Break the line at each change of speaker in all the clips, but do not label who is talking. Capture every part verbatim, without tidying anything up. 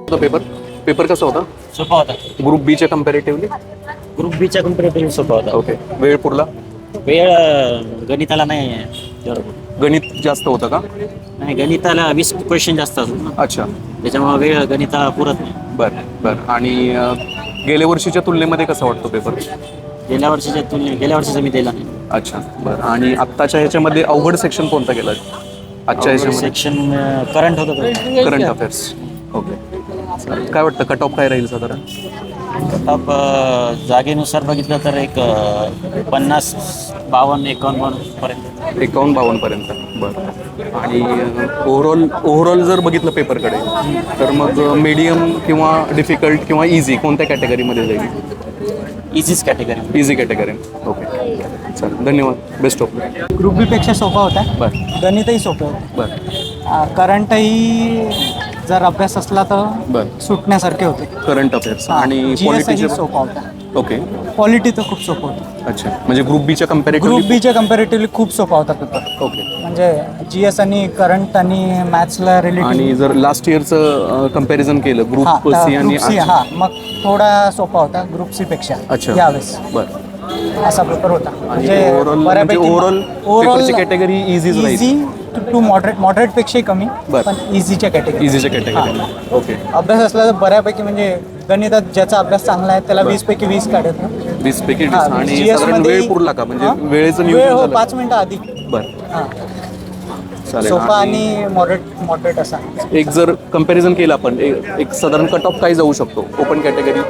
Paper paper कसा होता?
सोपा होता.
ग्रुप बीच्या कम्पॅरेटिव्हली
ग्रुप बीच्या कम्पॅरेटिव्ह सोपा होता.
ओके. वेळ पुरला?
वेळ अं, गणिताला नाही तेवढं.
गणित जास्त होतं का?
नाही, गणिताला वीस क्वेश्चन जास्त असतात ना,
अच्छा.
त्याच्यामुळे वेळ गणिताला पुरत नाही.
बरं बरं. आणि अं, गेल्या वर्षीच्या तुलनेमध्ये कसा वाटतो पेपर?
गेल्या वर्षीच्या तुलने गेल्या वर्षीचा मी दिला नाही.
अच्छा. बरं. आणि आत्ताच्या ह्याच्यामध्ये अवघड सेक्शन कोणता गेला आजच्या ह्याच्यामध्ये?
सेक्शन करंट होतं.
Current affairs. ओके. चालेल. काय वाटतं कट ऑफ काय राहील साधारण?
कट जागेनुसार बघितलं तर एक अं, पन्नास बावन्न एकावन्न पर्यंत.
एकावन्न बावन्न पर्यंत. बरं. आणि ओव्हरऑल ओव्हरऑल जर बघितलं पेपरकडे तर मग मीडियम किंवा डिफिकल्ट किंवा इझी कोणत्या कॅटेगरीमध्ये जाईल?
इझीच कॅटेगरी.
Easy category. ओके. चालेल. धन्यवाद. Best of.
ग्रुप बी पेक्षा सोपा होता.
बरं
गणितही सोपं होतं.
बरं
करंटही जर अभ्यास असला तर
बरं.
सुटण्यासारखे होते.
करंट अफेअर्स आणि
जी एसही
पॉलिटिचे.
सोपा होता.
ओके.
पॉलिटी तर खूप सोपं होतं.
अच्छा. म्हणजे ग्रुप बीच्या
ग्रुप
कम्पॅरेटिव्हली.
बीच्या कम्पॅरेटिव्हली खूप सोपा होता पेपर.
ओके.
म्हणजे जी एस आणि करंट आणि मॅथ्सला रिलेटेड.
आणि जर लास्ट इयरचं कम्पॅरिझन केलं ग्रुप सी आणि
ग्रुप सी हा मग थोडा सोपा होता ग्रुप सी पेक्षा
अच्छा.
यावेळेस
बरं.
असा पेपर होता.
आणि ओव्हरऑल म्हणजे ओव्हरऑल पेपरची कॅटेगरी इझीच राहील.
इझी टू मॉडरेट मॉडरेट पेक्षाही कमी
बरं.
पण इझीच्या कॅटेगरी.
इझीच्या कॅटेगरी. ओके.
अभ्यास असला तर बऱ्यापैकी म्हणजे गणितात ज्याचा अभ्यास चांगला आहे त्याला वीस पैकी वीस काढत ना.
वीस पैकी
हा,
आणि
G S
साधारण
मध्ये-
वेळ पुरला का? म्हणजे
हा?
वेळेचं
वेळ
नियोजन
हो
झालं?
पाच मिनिटं आधी.
बरं.
हा.
चालेल.
सोपा आणि मॉडरेट मॉडरेट असा.
एक जर कम्पॅरिझन केलं आपण एक एक साधारण कट ऑफ काय जाऊ शकतो ओपन कॅटेगरी?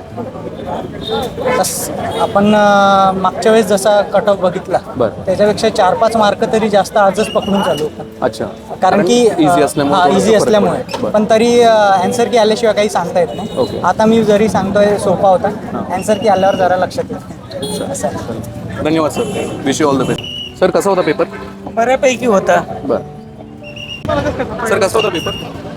तस आपण अं, मागच्या वेळेस जसा कट ऑफ बघितला
बरं.
त्याच्यापेक्षा चार पाच मार्क तरी जास्त आजच पकडून चालू होता.
अच्छा.
कारण की
इझी असल्यामुळे
हा
थोडासा
इझी
फरक
असल्यामुळे
पडतो. बरं.
पण तरी अँसर की आल्याशिवाय काही सांगता येत
ओके.
नाही. आता मी जरी सांगतोय सोपा होता अँसर की आल्यावर जरा लक्षात येईल असं आहे.
धन्यवाद sir. Wish you all the best. Sir कसा होता पेपर?
बऱ्यापैकी होता.
बरं. सर कसा होता पेपर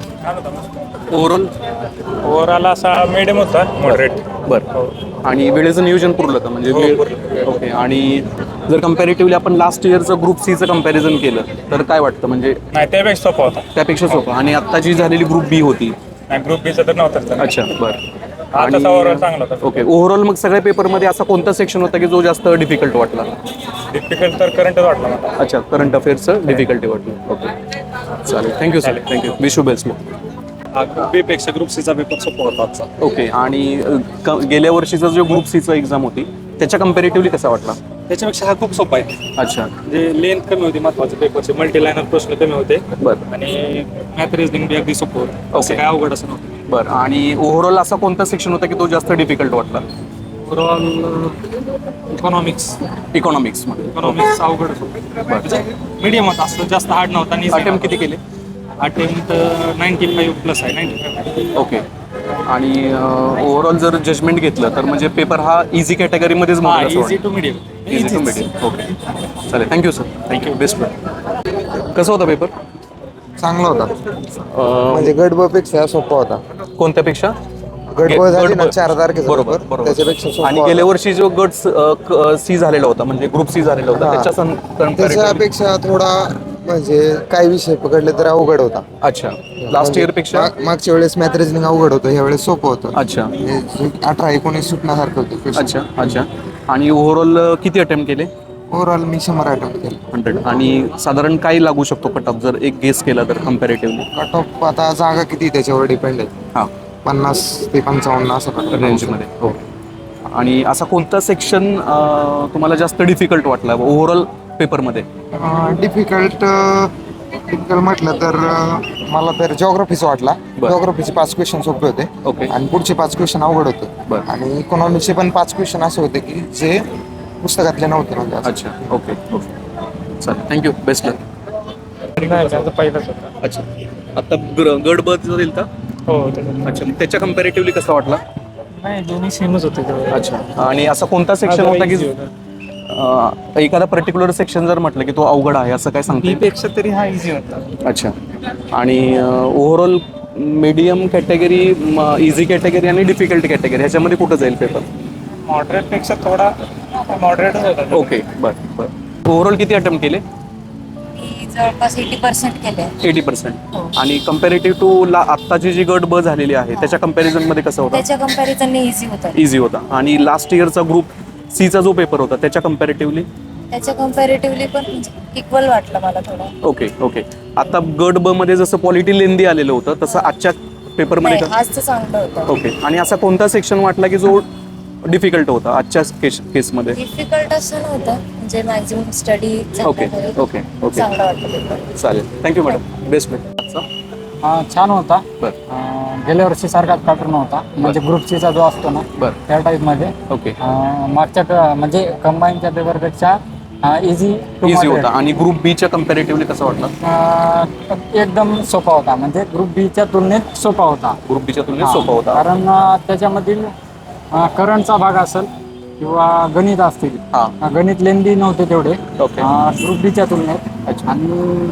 ओव्हरऑल?
ओव्हरऑल असा मिडियम होता, मॉडरेट.
बरं. आणि वेळेचं नियोजन पुरलं का? म्हणजे वेळ. ओके. आणि जर कम्पॅरेटिव्हली आपण लास्ट इयरचं ग्रुप सीचं कम्पॅरिझन केलं तर काय वाटतं? म्हणजे
नाही, त्यापेक्षा सोपा होता.
त्यापेक्षा सोपं. आणि आत्ता जी झालेली ग्रुप बी होती.
नाही, ग्रुप बीचा तर नव्हताच.
अच्छा. बरं.
आता ओव्हरऑल चांगला होता.
ओके. ओव्हरऑल मग सगळ्या पेपरमध्ये असा कोणता सेक्शन होता की जो जास्त डिफिकल्ट वाटला?
डिफिकल्ट तर करंटच वाटला मला.
अच्छा. करंट अफेअर्सचं डिफिकल्टी वाटलं. ओके. चालेल. Thank you sir. Thank you. Wish you best.
Group B पेक्षा ग्रुप सीचा पेपर सोपा होता आजचा.
ओके. आणि अ, क- गेल्या वर्षीचा जो ग्रुप सीचा एक्झाम होती त्याच्या कम्पॅरेटिव्हली कसा वाटला?
त्याच्यापेक्षा हा खूप सोपा आहे.
अच्छा.
म्हणजे लेंथ कमी होती महत्वाचे पेपरचे, मल्टी लाईनर प्रश्न कमी होते
बरं.
आणि मॅथ रिझनिंग बी अगदी सोपं होतं. असं
ओके.
काय अवघड असं नव्हतं.
बरं. आणि ओव्हरऑल असा कोणता सेक्शन होता की तो जास्त डिफिकल्ट वाटला?
Overall economics
इकॉनॉमिक्समध्ये.
इकॉनॉमिक्स अवघडच होतं. म्हणजे मीडियम होता, असं जास्त हार्ड नव्हता. आणि
अटेम्प्ट किती केले?
अटेम्प्ट नाईन्टी फाईव्ह प्लस आहे. Ninety five.
ओके. आणि ओव्हरऑल जर जजमेंट घेतलं तर म्हणजे पेपर हा इझी कॅटेगरीमध्येच
हा,
मोडला
easy to medium.
Easy to medium. Okay. चालेल. Thank you sir. थँक्यू. बेस्ट. कसा होता पेपर?
चांगला होता. म्हणजे गट ब पेक्षा सोपा होता.
कोणत्यापेक्षा?
गट ब झाली
गट
ना
ब.
चार तारखेचा
बरोबर
पेपर,
बरोबर.
त्याच्यापेक्षा सोपा
आणि
होता.
गेल्या वर्षी जो गट सी झालेला होता म्हणजे ग्रुप सी झालेला होता
हा.
त्याच्या सं- comparatively-
त्याच्यापेक्षा थोडा म्हणजे काही विषय पकडले तर अवघड होता.
अच्छा. लास्ट इयर पेक्षा?
माग- मागच्या वेळेस मॅथ रिजनिंग अवघड होतं, ह्या वेळेस सोपं होतं.
अच्छा.
म्हणजे अठरा एकोणीस सुटण्यासारखं होतं.
अच्छा. अच्छा. आणि ओव्हरऑल किती अटेम्प्ट केले?
ओव्हरऑल मी शंभर अटेम्प्ट केले.
हंड्रेड. आणि साधारण काय लागू शकतो कट ऑफ जर एक गेस केला तर कम्पॅरेटिव्हली?
कट ऑफ आता जागा किती त्याच्यावर डिपेंड आहे.
हां.
पन्नास ते पंचावन्न असं
रेंजमध्ये. हो. आणि असा कोणता सेक्शन तुम्हाला जास्त डिफिकल्ट वाटला ओव्हरऑल पेपरमध्ये?
डिफिकल्ट डिफिकल्ट म्हटलं तर अं, मला तर जॉग्राफीचं वाटला.
बरं.
जॉग्राफीचे पाच क्वेश्चन सोपे होते.
ओके.
आणि पुढचे पाच क्वेश्चन अवघड होते.
बरं.
आणि इकॉनॉमीचे पण पाच क्वेश्चन असे होते की जे पुस्तकातले नव्हते म्हणजे असं.
अच्छा. ओके. ओके. चालेल. थँक्यू. Best luck.
नाही, माझा पहिलाच होता.
अच्छा. आता ग- गड ब जाईल का?
हो, त्याच्यात.
अच्छा. मग त्याच्या कम्पॅरेटिव्हली कसा वाटला?
नाही, दोन्ही सेमच होते तेवढे.
अच्छा. आणि असा कोणता सेक्शन
हा,
होता की
easy होता.
अं, एखादा पर्टिक्युलर सेक्शन जर म्हटलं की तो अवघड आहे असं काय सांगता
बी
येईल?
पेक्षा तरी हा इझी होता.
अच्छा. आणि overall medium category, easy category आणि डिफिकल्ट कॅटेगरी ह्याच्यामध्ये कुठं जाईल पेपर?
मॉडरेट पेक्षा थोडा मॉडरेटच होता.
ओके. बरं बरं. ओव्हरऑल किती अटेम्प्ट केले?
मी जवळपास एटी पर्सेंट केले.
एटी पर्सेंट आणि कम्पॅरेटिव्ह टू ला आत्ताची जी गट ब झालेली आहे त्याच्या कम्पॅरिझनमध्ये कसं होतं?
त्याच्या कम्पॅरिझनने इझी होतं.
इझी होता. आणि लास्ट इयरचा ग्रुप सीचा जो पेपर होता त्याच्या कम्पॅरेटिव्हली
त्याच्या कम्पॅरेटिव्हली पण इक्वल वाटलं मला थोडं.
Okay okay. आता गट ब मध्ये जसं पॉलिटी लेंदी आलेलं होतं तसं आजच्या पेपरमध्ये
नाही,
का?
आजचं चांगलं होतं.
ओके. आणि असा कोणता सेक्शन वाटला की जो डिफिकल्ट होता आजच्या केस केसमध्ये?
डिफिकल्ट असं नव्हतं, म्हणजे maximum study
okay okay okay
चांगलं वाटलं पेपर.
चालेल. Thank you madam. Best best.
हा, छान होता.
बरं
अं, गेल्या वर्षी सारखाच पॅटर्न होता, म्हणजे ग्रुप सीचा जो असतो ना
बरं.
त्या टाईपमध्ये.
ओके.
अं, मागच्या क- म्हणजे कंबाईनच्या पेपरपेक्षा इझी
इझी होता. आणि ग्रुप बीच्या कम्पॅरेटिव्हली कसं वाटलं?
एकदम सोपा होता, म्हणजे ग्रुप बीच्या तुलनेत सोपा होता.
ग्रुप बीच्या तुलनेत
हा,
सोपा होता.
कारण अं, त्याच्यामधील करंटचा भाग असेल किंवा गणित असतील,
हा.
अं, गणित लेंदी नव्हते तेवढे
ओके.
ग्रुप बीच्या तुलनेत.
अच्छा.
आणि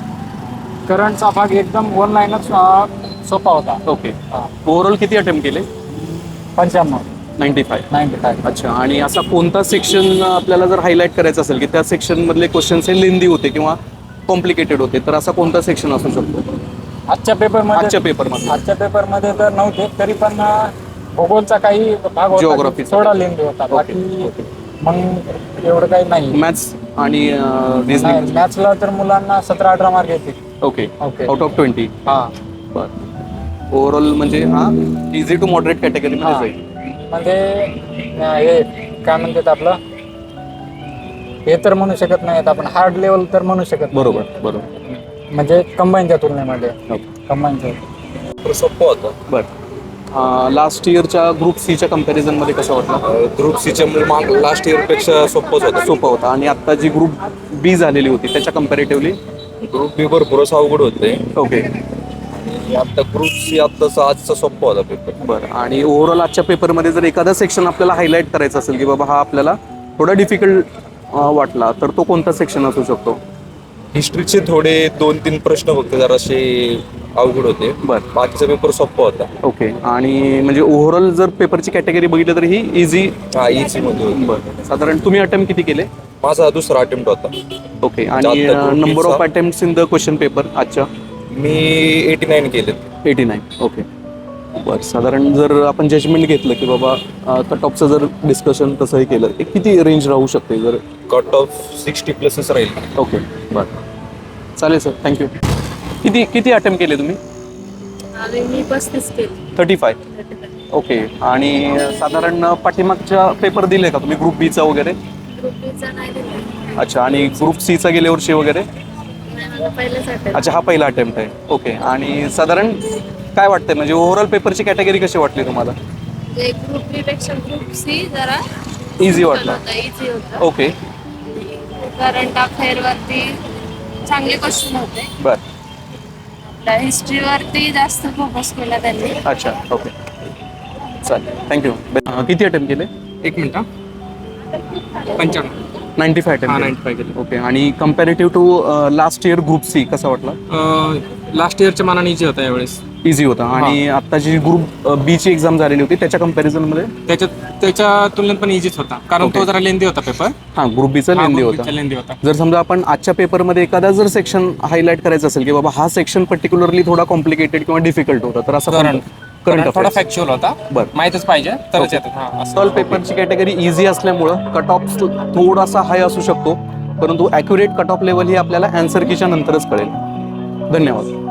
करंटचा भाग एकदम वन लाईनच सोपा होता.
ओके.
हा.
ओव्हरऑल किती अटेम्प्ट केले?
पंच्याण्णव
नाईन्टी फाय.
Ninety five.
अच्छा. आणि असा कोणता सेक्शन आपल्याला जर हायलाईट करायचा असेल की त्या सेक्शन मधले क्वेश्चन्स हे लेंदी होते किंवा कॉम्प्लिकेटेड होते तर असा कोणता सेक्शन असू शकतो
आजच्या पेपरमध्ये?
आजच्या पेपरमध्ये
आजच्या पेपरमध्ये तर नव्हते, तरी पण अं, भूगोलचा काही भाग होता
Geography चा.
थोडा लेंदी होता.
ओके,
बाकी
ओके.
मग एवढं काही नाही.
मॅथ्स आणि रिझनिंग.
मॅथ्सला तर मुलांना सतरा अठरा मार्क येतील.
Okay.
Okay.
Out of twenty.
हा.
बरं. ओव्हरऑल म्हणजे हा इझी टू मॉडरेट कॅटेगरीमध्ये
हा.
जाईल.
म्हणजे अं, हे काय म्हणतात आपलं, हे तर म्हणू शकत नाहीत आपण, हार्ड लेवल तर म्हणू शकत नाही.
बरोबर बरोबर.
म्हणजे कंबाईनच्या तुलनेमध्ये.
ओके.
कंबाईनच्या
सोपं होतं.
बरं. लास्ट इयरच्या ग्रुप सीच्या कम्पॅरिझनमध्ये कसं वाटलं?
ग्रुप सीच्या लास्ट इयरपेक्षा सोपंच होतं.
सोपं होतं. आणि आत्ता जी ग्रुप बी झालेली होती त्याच्या कम्पॅरेटिव्हली
ग्रुप बी भरपूरच अवघड होते.
ओके.
आणि आता ग्रुप सी आत्ताचा आजचा सोपा होता पेपर.
बरं. आणि ओव्हरऑल आजच्या पेपरमध्ये जर एखादा सेक्शन आपल्याला हायलाईट करायचा असेल की बाबा हा आपल्याला थोडा डिफिकल्ट वाटला तर तो कोणता सेक्शन असू शकतो?
हिस्ट्रीचे थोडे दोन तीन प्रश्न फक्त जरासे अवघड होते.
बरं.
बाकीचा पेपर सोपा होता.
ओके. आणि म्हणजे ओव्हरऑल जर पेपरची कॅटेगरी बघितली तर ही इझी.
हा, इझी मध्ये होती.
बरं. साधारण तुम्ही अटेम्प्ट किती केले?
माझा दुसरा अटेम्प्ट होता.
ओके. आणि
आता group
नंबर
B
ऑफ
चा?
Attempts in the question paper आजच्या?
मी एटी नाईन केले.
Eighty nine. ओके. बरं. साधारण जर आपण जजमेंट घेतलं की बाबा कट ऑफचं जर डिस्कशन तसंही केलं एक किती रेंज राहू शकते जर?
कट ऑफ सिक्स्टी प्लसच राहील.
ओके. बरं. चालेल सर. थँक्यू. किती किती अटेम्प्ट केले तुम्ही?
मी पस्तीस केली.
Thirty five. ओके. आणि साधारण पाठीमागच्या पेपर दिले का तुम्ही ग्रुप बीचा वगैरे?
ग्रुपचा नाही दिला.
अच्छा. आणि ग्रुप सीचा गेल्या वर्षी वगैरे?
पहिलेच अटेम्प्ट.
अच्छा. हा पहिला अटेम्प्ट आहे. ओके. आणि साधारण काय वाटतंय म्हणजे ओव्हरऑल पेपरची कॅटेगरी कशी वाटली तुम्हाला?
म्हणजे ग्रुप बी पेक्षा ग्रुप सी जरा
इझी वाटला.
इझी होतं.
ओके.
करंट अफेअर वरती चांगले क्वेश्चन होते.
बरं.
आपल्या हिस्ट्रीवरती जास्त फोकस केला त्यांनी.
अच्छा. ओके. चालेल. थँक्यू. किती अटेम्प्ट केले?
एक मिनिट. पंच्याण्णव.
नाईन्टी फाय
हा,
अटेम्प्ट.
नाईन्टी फाय केले.
ओके. आणि comparative to last year group C कसा वाटला?
लास्ट इयरच्या मानाने इझी होता यावेळेस.
इझी होता. आणि आता जी ग्रुप बी ची एक्झाम झालेली होती त्याच्या कम्पॅरिझनमध्ये?
त्याच्यात त्याच्या तुलनेत पण इझीच होता, कारण
Okay.
तो जरा लेंदी होता पेपर.
हां. ग्रुप बीचा लेंदी होता.
लेंदी होता.
जर समजा आपण आजच्या पेपरमध्ये एखादा जर सेक्शन हायलाईट करायचं असेल की बाबा हा सेक्शन पर्टिक्युलरली थोडा कॉम्प्लिकेटेड किंवा डिफिकल्ट होता तर असं
Current.
करंट
थोडा फॅक्च्युअल होता.
बरं.
माहितच पाहिजे तरच येतात. हा, असं.
सॉल्व पेपरची कॅटेगरी इझी असल्यामुळं कट ऑफ थोडासा हाय असू शकतो परंतु ॲक्युरेट कट ऑफ लेवल ही आपल्याला अँसर कीच्या नंतरच कळेल. धन्यवाद.